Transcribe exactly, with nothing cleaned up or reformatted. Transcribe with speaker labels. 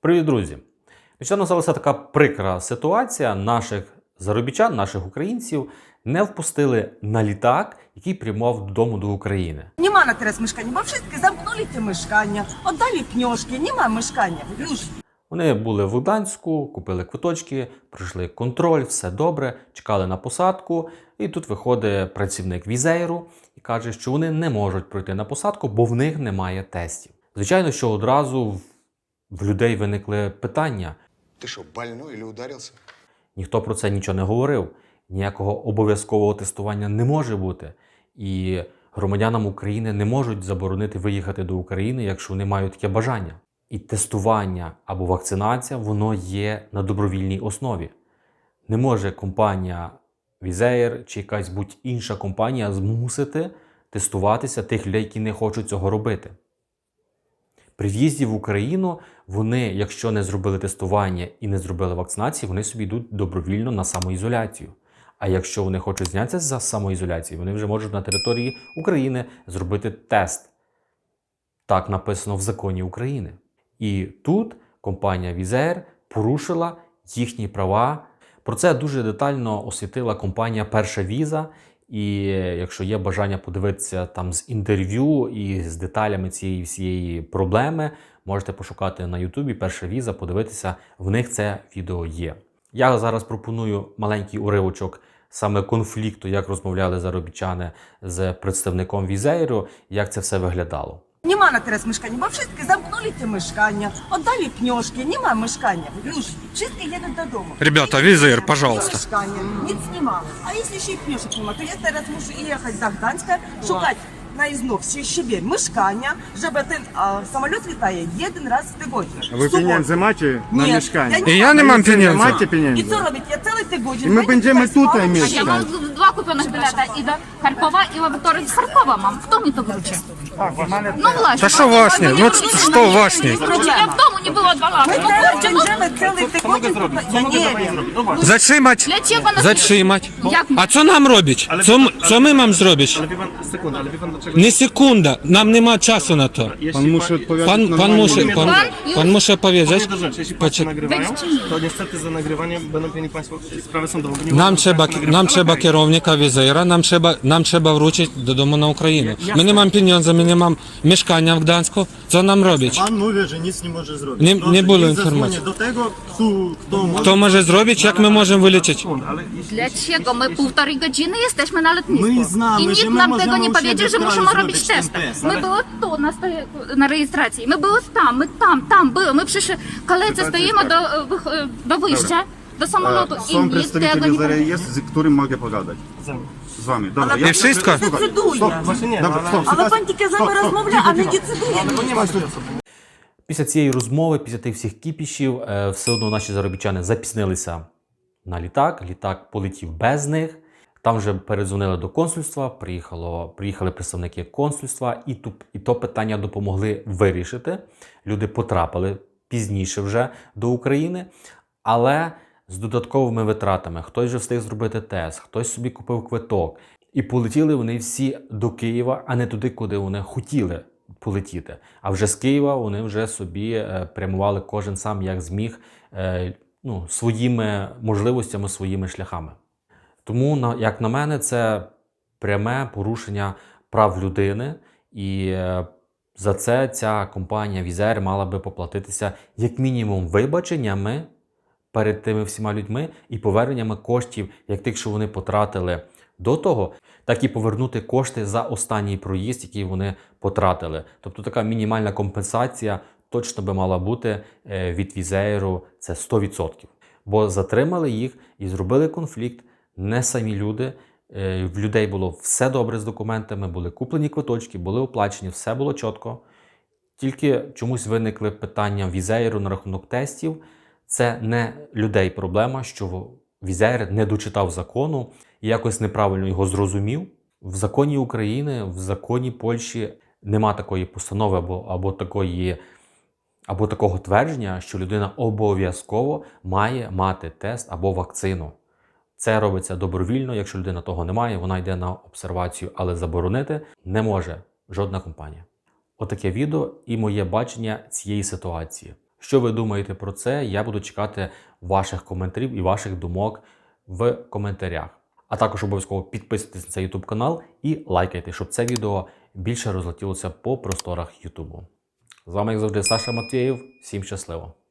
Speaker 1: Привіт, друзі! Нещодавно сталася така прикра ситуація. Наших заробітчан, наших українців не впустили на літак, який прямував додому до України.
Speaker 2: Нема на teraz mieszkania, bo wszystkie zamknęli te mieszkania, oddali pieniążki, nie ma mieszkania, już.
Speaker 1: Вони були в Гданську, купили квиточки, пройшли контроль, все добре, чекали на посадку. І тут виходить працівник Візейру і каже, що вони не можуть пройти на посадку, бо в них немає тестів. Звичайно, що одразу в людей виникли питання.
Speaker 3: Ти що, больной или ударився?
Speaker 1: Ніхто про це нічого не говорив. Ніякого обов'язкового тестування не може бути. І громадянам України не можуть заборонити виїхати до України, якщо вони мають таке бажання. І тестування або вакцинація, воно є на добровільній основі. Не може компанія Візеєр чи якась будь-інша компанія змусити тестуватися тих людей, які не хочуть цього робити. При в'їзді в Україну вони, якщо не зробили тестування і не зробили вакцинації, вони собі йдуть добровільно на самоізоляцію. А якщо вони хочуть знятися за самоізоляції, вони вже можуть на території України зробити тест. Так написано в законі України. І тут компанія Візеєр порушила їхні права. Про це дуже детально освітила компанія Перша Віза. І якщо є бажання подивитися там з інтерв'ю і з деталями цієї всієї проблеми, можете пошукати на Ютубі Перша Віза, подивитися, в них це відео є. Я зараз пропоную маленький уривочок саме конфлікту, як розмовляли заробітчани з представником Візеєру, як це все виглядало.
Speaker 2: Nема na teraz mieszkania, bo wszystkie zamknęli te mieszkania, oddali pieniążki, nie ma mieszkania, już. Wszystkie jedą do domu.
Speaker 4: Ребята, Візеєр, пожалуйста.
Speaker 2: Mieszkania, nic nie ma. A jeśli się pieniążek nie ma, to ja teraz muszę jechać do Gdańska, szukać na znów siebie mieszkania, żeby ten a, samolot lataje jeden raz w tygodniu.
Speaker 5: Ви pieniędzy macie na
Speaker 2: Ні,
Speaker 5: mieszkanie?
Speaker 2: я
Speaker 4: І я не мам
Speaker 5: Nie
Speaker 4: pieniędzy.
Speaker 5: macie
Speaker 2: І
Speaker 5: pieniędzy.
Speaker 2: що робить? Я цілий тиждень.
Speaker 5: І ми będziemy tutaj
Speaker 6: Я
Speaker 5: mieszkać.
Speaker 6: mam dwa kupionych bileta i do Charkowa i laboratorium z Charkowa mam. Kto mi to wróci? No właśnie.
Speaker 4: Та що właśnie? Ну що właśnie?
Speaker 6: Ja w domu nie było dwa lata.
Speaker 2: Ми
Speaker 6: No
Speaker 2: зараз
Speaker 6: kurczę, no
Speaker 2: będziemy цілий тиждень. Я не wiem.
Speaker 4: Затримать.
Speaker 6: для czego nas...
Speaker 4: Затримать.
Speaker 6: Jak?
Speaker 4: А що нам робить? Що, м- що ми маємо зробити?
Speaker 7: Ale wie pan, sekunda, ale wie pan dlaczego?
Speaker 4: Не секунда. Нам нема часу на то.
Speaker 7: Jeśli
Speaker 5: Pan musi odpowiadać
Speaker 4: Пан, пан
Speaker 5: normalnie.
Speaker 4: муше, пан, пан муше
Speaker 7: Powiem
Speaker 4: powiedzieć.
Speaker 7: do rzeczy, jeśli państwo
Speaker 4: Poczek-
Speaker 7: nagrywają,
Speaker 6: Wejdź czy nie?
Speaker 7: to niestety za nagrywanie będą mieli państwo sprawę sądową. bo nie
Speaker 4: Нам
Speaker 7: mogą
Speaker 4: треба,
Speaker 7: państwo nagrywać.
Speaker 4: нам
Speaker 7: Ale
Speaker 4: треба
Speaker 7: okej.
Speaker 4: керівника Візеєра, нам треба, нам треба вручити додому на Україну. Ми не маємо пеньонза, ми не маємо мешкання в Гданську. Що нам робить?
Speaker 8: Pan mówi, że nic nie może zrobić.
Speaker 4: Nie-
Speaker 8: Proszę,
Speaker 4: nie było
Speaker 8: niech
Speaker 4: informacji.
Speaker 8: zadzwoni do tego, kto, kto może.
Speaker 4: Хто може зробити, як ми можемо вилічити?
Speaker 7: Sekunda, ale jeśli...
Speaker 6: Dla czego? My półtorej godziny jesteśmy na lotnisku.
Speaker 8: My znamy,
Speaker 6: I nikt
Speaker 8: że my
Speaker 6: nam
Speaker 8: możemy
Speaker 6: tego nie
Speaker 8: u
Speaker 6: powiedział,
Speaker 8: siebie
Speaker 6: że
Speaker 8: w
Speaker 6: musimy
Speaker 8: kraju
Speaker 6: robić
Speaker 8: zrobić
Speaker 6: testy.
Speaker 8: ten test.
Speaker 6: My były tu na, stoje- na rejestracji. My były tam, my tam, tam były. My przy kolejce stoimy do, wych- do wyjścia, do samolotu. I
Speaker 5: Są
Speaker 6: nikt tego
Speaker 5: przedstawiciele
Speaker 6: nie
Speaker 5: Wizera,
Speaker 6: powiedział.
Speaker 5: jest, z którym mogę pogadać. Z wami. Dobra,
Speaker 4: І wszystko?
Speaker 2: Decyduje.
Speaker 7: Właśnie nie,
Speaker 5: Dobra,
Speaker 7: no,
Speaker 5: stop.
Speaker 2: Але пан тільки з нами розмовляє, а не decyduje.
Speaker 7: ale nie ma takiej osoby.
Speaker 1: Після цієї розмови, після тих всіх кіпішів, е, все одно наші заробітчани запізнилися на літак. Літак полетів без них. Там вже передзвонили до консульства, приїхало, приїхали представники консульства, і, ту, і то питання допомогли вирішити. Люди потрапили пізніше вже до України, але з додатковими витратами. Хтось вже встиг зробити тест, хтось собі купив квиток. І полетіли вони всі до Києва, а не туди, куди вони хотіли полетіти. А вже з Києва вони вже собі е, прямували кожен сам, як зміг, е, ну, своїми можливостями, своїми шляхами. Тому, на- як на мене, це пряме порушення прав людини, і е, за це ця компанія Візеєр мала би поплатитися як мінімум вибаченнями перед тими всіма людьми і поверненнями коштів, як тих, що вони потратили до того, так і повернути кошти за останній проїзд, який вони потратили. Тобто така мінімальна компенсація точно би мала бути е, від Візеєру, це сто відсотків. Бо затримали їх і зробили конфлікт не самі люди. Е, В людей було все добре з документами, були куплені квиточки, були оплачені, все було чітко. Тільки чомусь виникли питання Візеєру на рахунок тестів. Це не людей проблема, що Візеєр не дочитав закону і якось неправильно його зрозумів. В законі України, в законі Польщі нема такої постанови або, або, такої, або такого твердження, що людина обов'язково має мати тест або вакцину. Це робиться добровільно, якщо людина того не має, вона йде на обсервацію, але заборонити не може жодна компанія. Отаке відео і моє бачення цієї ситуації. Що ви думаєте про це? Я буду чекати ваших коментарів і ваших думок в коментарях. А також обов'язково підписуйтесь на цей YouTube канал і лайкайте, щоб це відео більше розлетілося по просторах YouTube. З вами, як завжди, Саша Матвєєв. Всім щасливо!